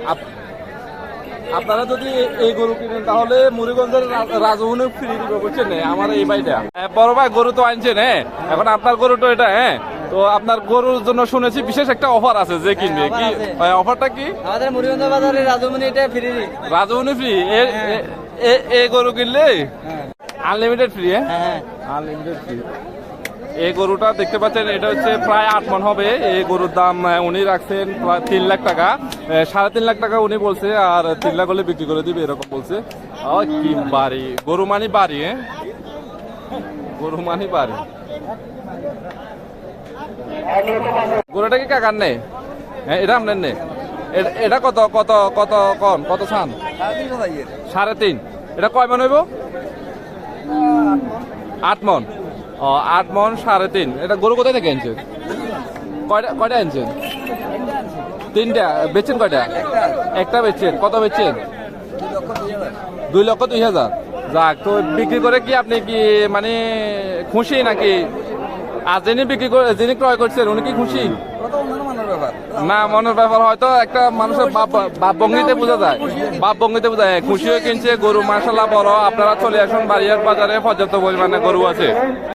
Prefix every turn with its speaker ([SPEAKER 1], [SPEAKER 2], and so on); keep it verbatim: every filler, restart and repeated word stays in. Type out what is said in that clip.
[SPEAKER 1] Up- আপনারা যদি এই গরু কিনেন তাহলে মুড়িগঞ্জের রাজভবনে ফ্রি দিবে, বুঝছেন না আমার এই ভাইটা। হ্যাঁ, বড় ভাই গরু তো আনছেন, হ্যাঁ এখন আপনার গরু তো এটা, হ্যাঁ তো আপনার গরুর জন্য শুনেছি বিশেষ একটা অফার আছে যে কিনবে,
[SPEAKER 2] হ্যাঁ,
[SPEAKER 1] কি
[SPEAKER 2] offer আছে।
[SPEAKER 1] ভাই অফারটা কি?
[SPEAKER 2] আমাদের মুড়িগঞ্জ বাজারে রাজমণি এটা ফ্রি।
[SPEAKER 1] রাজভবনে ফ্রি
[SPEAKER 2] হ্যাঁ।
[SPEAKER 1] এই গরু কিনলে
[SPEAKER 2] হ্যাঁ
[SPEAKER 1] আনলিমিটেড ফ্রি, হ্যাঁ
[SPEAKER 2] হ্যাঁ
[SPEAKER 1] আনলিমিটেড ফ্রি। এই গরুটা দেখতে পাচ্ছেন, এটা হচ্ছে প্রায় আট মন হবে। এই গরুর দাম আহ, উনি রাখছেন প্রায় তিন লাখ টাকা, আহ, সাড়ে তিন লাখ টাকা উনি বলছে, আর তিন লাখ হলে বিক্রি করে দিবে এরকম বলছে। আহ, কি বাড়ি, গরু মানি বাড়ি, হ্যাঁ গরু মানি বাড়ি। গরুটা কি কাকার নেই? হ্যাঁ এটা আপনার নেই। এ- এটা কত কত কত কম কত ছান? সাড়ে তিন। এটা কয় মন হইব? আট মন। ও আট মন সাড়ে তিন। এটা গরু কোথায় থেকে আনছেন? কয়টা কয়টা আনছেন? তিনটা। বেচছেন কয়টা? একটা বেচছেন। কত বেচছেন? দুই লক্ষ দুই হাজার। যাক, তো বিক্রি করে কি আপনি কি মানে খুশি নাকি? আর যিনি বিক্রি করে, যিনি ক্রয় করছেন উনি কি খুশি? না, মনের ব্যাপার হয়তো একটা মানুষের বাপ বাপ ভঙ্গিতে বোঝা যায়, বাপ ভঙ্গিতে বোঝা যায়। খুশি হয়ে কিনছে গরু, মাশাআল্লাহ বড়। আপনারা চলে আসুন, বাড়িয়ার বাজারে পর্যাপ্ত পরিমাণে গরু আছে।